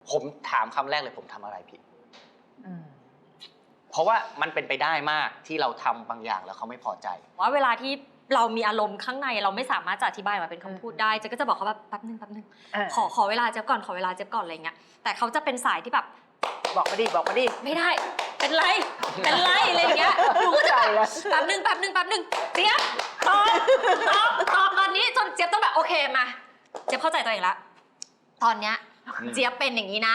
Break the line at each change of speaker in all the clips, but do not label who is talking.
ผมถามคำแรกเลยผมทำอะไรผิดเพราะว่ามันเป็นไปได้มากที่เราทำบางอย่างแล้วเขาไม่พอใจ
ว่าเวลาที่เรามีอารมณ์ข้างในเราไม่สามารถจะอธิบายมาเป็นคำพูดได้เจ๊ก็จะบอกเขาแบบแป๊บนึงขอเวลาเจ๊ก่อนขอเวลาเจ๊ก่อนอะไรเงี้ยแต่เขาจะเป็นสายที่แบบ
บอกมาดิ
ไม่ได้เป็นไรอะไรเงี้ยหนูก็จะแป๊บนึงเจี๊ยบตอบตอนนี้จนเจี๊ยบต้องแบบโอเคมาเจี๊ยบเข้าใจตัวเองละตอนเนี้ยเจี๊ยบเป็นอย่างนี้นะ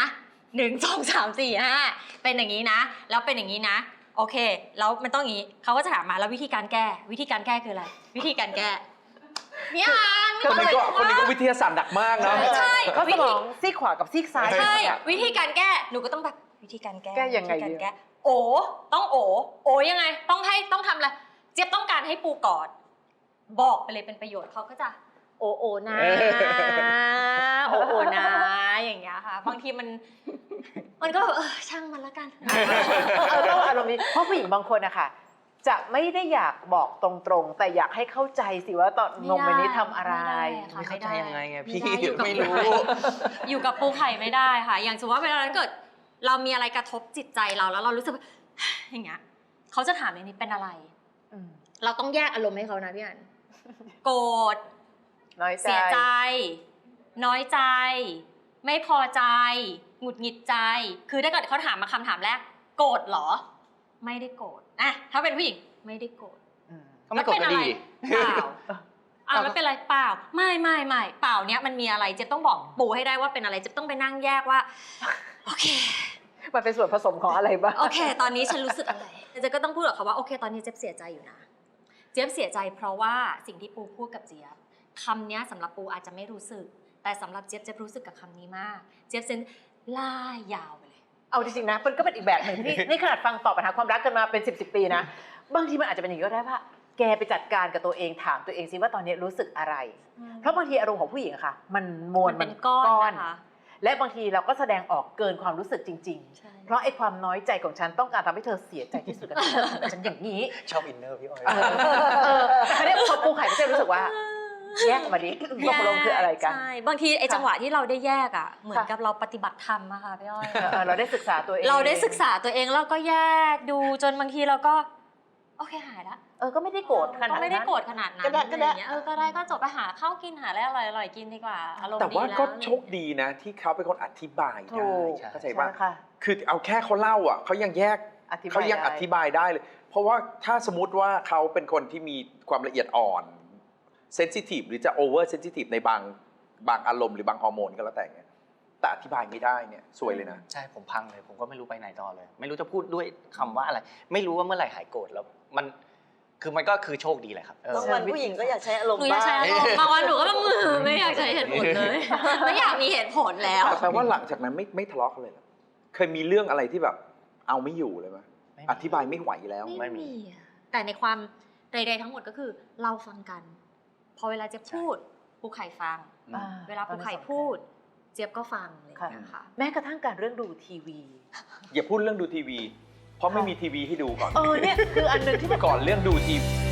1 2 3 4 5เป็นอย่างนี้นะแล้วเป็นอย่างนี้นะโอเคแล้วมันต้องอย่างนี้เขาก็จะถามมาแล้ววิธีการแก้คืออะไรวิธีการแก้เนี่ย
คนนี้ก็วิทยาศาสตร์หนักมากนะ
ใช่
ก็สมองซีกขวากับซีกซ้าย
ใช่วิธีการแก้หนูก็ต้องแบบวิธีการแก้
ยังไง
ต้องโอยังไงต้องทำอะไรเจี๊ยบต้องการให้ปูกอดบอกไปเลยเป็นประโยชน์เขาก็จะโอนะโอนะอย่างเงี้ยค่ะบางทีมันก็ช่างมันละกัน
ต้องอารมณ์นี้เพราะผู้หญิงบางคนนะคะจะไม่ได้อยากบอกตรงๆแต่อยากให้เข้าใจสิว่าตอนโมเมนต์นี้ทำอะไร
ไม่เข้าใจยังไงไงพี่ไม่รู้
อยู่กับปูไข่ไม่ได้ค่ะอย่างสมมติว่าเวลาเกิดเรามีอะไรกระทบจิตใจเราแล้วเรารู้สึกอย่างเงี้ยเขาจะถามอย่างนี้เป็นอะไรเราต้องแยกอารมณ์ให้เขานะพี่อันโกรธเสียใจน้อยใจไม่พอใจหงุดหงิดใจคือถ้าเกิดเขาถามมาคำถามแรกโกรธเหรอไม่ได้โกรธอะถ้าเป็นผู้หญิงไม่ได้โกรธ
ก็ไม่โกรธก็ดี
เปล่าไม่เป็นไรเปล่าไม่เปล่าเนี้ยมันมีอะไรเจ๊ต้องบอกปูให้ได้ว่าเป็นอะไรเจ๊ต้องไปนั่งแยกว่าโอเค
มันเป็นส่วนผสมของอะไรบ้าง
โอเคตอนนี้ฉันรู้สึกอะไรเจ๊ก็ต้องพูดกับเขาว่าโอเคตอนนี้เจ๊เสียใจอยู่นะเจ๊เสียใจเพราะว่าสิ่งที่ปูพูดกับเจี๊ยบคำนี้สำหรับปูอาจจะไม่รู้สึกแต่สำหรับเจี๊ยบรู้สึกกับคำนี้มากเจี๊ยบเซนล่ายาวไปเลย
เอาจริงๆนะมันก็เป็นอีกแบบหนึ่งที่นี่ขนาดฟังตอบปัญหาความรักกันมาเป็น10 ปีนะบางทีมันอาจจะเป็นอย่างนี้ก็ได้ว่าแกไปจัดการกับตัวเองถามตัวเองซิว่าตอนนี้รู้สึกอะไรเพราะบางทีอารมณ์ของผู้หญิงอะค่ะมันมวล
มันก้อนนะคะ
และบางทีเราก็แสดงออกเกินความรู้สึกจริงๆเพราะไอ้ความน้อยใจของฉันต้องการทำให้เธอเสียใจที่สุดกับฉันอย่างนี้
ชอบอินเนอร์พี่อ้อย
แต่เนี่ยพอปูไข่ก็จะรู้สึกว่าแยกมาดิตกลงคืออะไรกัน
ใช่บางทีไอ้จังหวะที่เราได้แยกอ่ะเหมือนกับเราปฏิบัติธรรมอะค่ะพี่อ้อย
เราได้ศึกษาตัวเอง
เราได้ศึกษาตัวเองแล้วก็แยกดูจนบางทีเราก็โอเคหายละ
ก็ไม่ได้โกรธขนาดนั้น
ก็ไม่ได้โกรธขนาดนั้นก็ได้ก็ได้ก็จบไปหาข้าวกินหาอะไรอร่อยกินดีกว่าอารมณ์ดีแล้ว
แต่ว่าก็โชคดีนะที่เขาเป็นคนอธิบายได้เข้าใจป่ะคือเอาแค่เขาเล่าอ่ะเขายังแยกเขายังอธิบายได้เลยเพราะว่าถ้าสมมติว่าเขาเป็นคนที่มีความละเอียดอ่อนเซนซิทีฟหรือจะโอเวอร์เซนซิทีฟในบางอารมณ์หรือบางฮอร์โมนก็แล้วแต่เนี่ยแต่อธิบายไม่ได้เนี่ยซวยเลยนะ
ใช่ผมพังเลยผมก็ไม่รู้ไปไหนต่อเลยไม่รู้จะพูดด้วยคำว่าอะไรไม่รู้ว่าเมื่อไหร่หายโกรธแล้วมันคือโชคดีแหละครับ
บางวันผู้หญิงก็อยากใช้อารมณ์บ้าง
บางวันหนูก็ไม่อยากใช้เหตุผลเลยไม่อยากมีเหตุผลแล้ว
แต่แปลว่าหลังจากนั้นไม่ทะเลาะกันเลยเหรอเคยมีเรื่องอะไรที่แบบเอาไม่อยู่เลยไหมอธิบายไม่ไหวแล้ว
ไม่มีแต่ในความใดๆทั้งหมดก็คือเราฟังกันพอเวลาเจี๊ยบพูดปูไข่ฟังเวลาปูไข่พูดเจี๊ยบก็ฟังเลยนะคะ
แม้กระทั่งการเรื่องดูทีวี
อย่าพูดเรื่องดูทีวีเพราะไม่มีทีวีให้ดูก่อน
เนี่ยคืออันนึงที่
ก่อนเรื่องดูทีวี